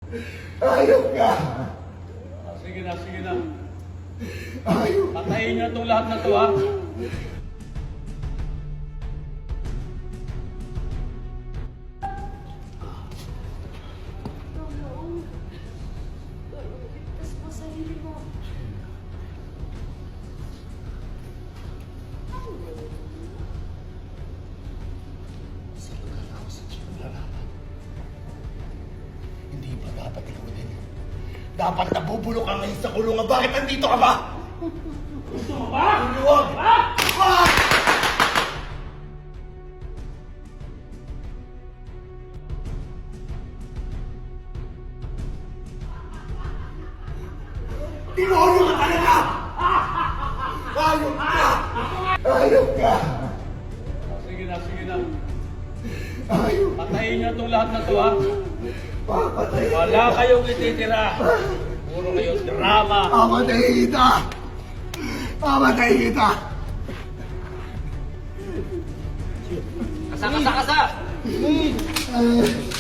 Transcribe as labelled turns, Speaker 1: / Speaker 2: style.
Speaker 1: Ayok ka!
Speaker 2: Sige na, sige na.
Speaker 1: Ayok!
Speaker 2: Patayin niyo itong lahat na to, ha?
Speaker 3: Ligtas mo sarili mo.
Speaker 1: Sa lugar ako sa Diyos nararapat. Hindi ba dapat ikunin? Dapat nabubulok ka ngayon sa kulungan. Bakit nandito ka ba?
Speaker 2: Gusto mo ba?
Speaker 1: Huwag! Wag! Demonyo ka talaga! Ayok ka! Ayok ka!
Speaker 2: Sige na, sige na.
Speaker 1: Ayok!
Speaker 2: Patayin niyo itong lahat na to, ha?
Speaker 1: Papatay!
Speaker 2: Wala kayong ititira. Puro kayo drama.
Speaker 1: Papatay kita! Papatay kita!
Speaker 2: Kasa, kasa, kasa!
Speaker 1: Ah.